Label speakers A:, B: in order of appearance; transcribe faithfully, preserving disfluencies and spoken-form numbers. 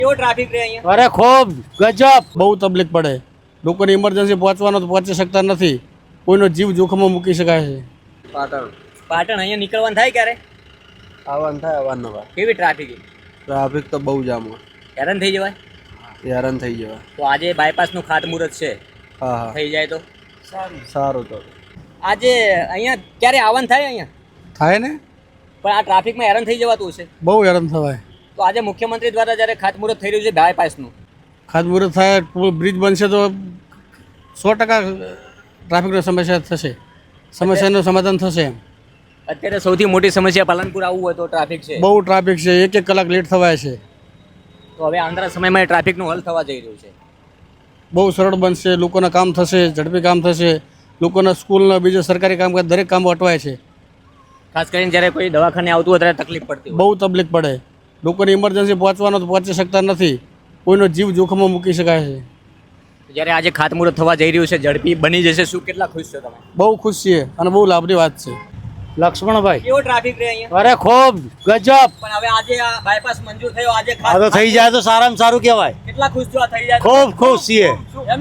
A: કેવો ટ્રાફિક રહે અહીંયા?
B: અરે ખૂબ ગજબ, બહુ તકલીફ પડે. લોકોને ઇમરજન્સી પહોંચવાનો તો પહોંચી શકતા નથી. કોઈનો જીવ જોખમમાં મૂકી શકાય છે.
C: પાટણ
A: પાટણ અહીંયા નીકળવાનું થાય ક્યારે?
C: આવવાનું થાય અવારનવાર.
A: કેવી ટ્રાફિક?
C: ટ્રાફિક તો બહુ જામ હોય,
A: હેરાન થઈ જવાય.
C: હેરાન થઈ જવાય.
A: તો આજે બાયપાસનું ખાતમુહૂર્ત છે,
C: હા હા
A: થઈ જાય તો
C: સારું તો
A: આજે અહીંયા ક્યારે આવવાનું થાય અહીંયા?
B: થાય ને,
A: પણ આ ટ્રાફિકમાં હેરાન થઈ જવાતું હશે.
B: બહુ હેરાન થવાય.
A: તો આજે મુખ્યમંત્રી દ્વારા જ્યારે ખાતમુહૂર્ત થઈ રહ્યું છે બાયપાસનું,
B: ખાતમુહૂર્ત થાય, બ્રિજ બનશે તો સો ટકા ટ્રાફિકની સમસ્યા થશે, સમસ્યાનું સમાધાન થશે.
A: અત્યારે સૌથી મોટી સમસ્યા પાલનપુર આવવું હોય તો ટ્રાફિક છે.
B: બહુ ટ્રાફિક છે, એક એક કલાક લેટ થવાય છે.
A: તો હવે આંધળા સમયમાં એ ટ્રાફિકનું હલ થવા જઈ રહ્યું છે.
B: બહુ સરળ બનશે, લોકોના કામ થશે, ઝડપી કામ થશે. લોકોના સ્કૂલના બીજા સરકારી કામકાજ દરેક કામ અટવાય છે.
A: ખાસ કરીને જ્યારે કોઈ દવાખાને આવતું હોય ત્યારે તકલીફ પડતી હોય.
B: બહુ તકલીફ પડે. લોકોને ઇમરજન્સી પહોંચવાનો તો પહોંચી શકતા નથી. કોઈનો જીવ જોખમમાં મૂકી શકાય છે.
A: જ્યારે આજે ખાતમુહૂર્ત થવા જઈ રહ્યું છે, ઝડપી બની જશે, શું કેટલા ખુશ છો તમે?
B: બહુ ખુશ છીએ અને બહુ લાભની વાત છે. લક્ષ્મણભાઈ,
A: કેવો ટ્રાફિક રહે અહીંયા?
B: અરે ખૂબ ગજબ.
A: પણ હવે આજે આ બાયપાસ મંજૂર થયો, આજે
B: આ તો થઈ જાય તો સારામાં સારું કહેવાય.
A: કેટલા ખુશ છો આ થઈ જાય?
B: ખૂબ ખુશ છીએ.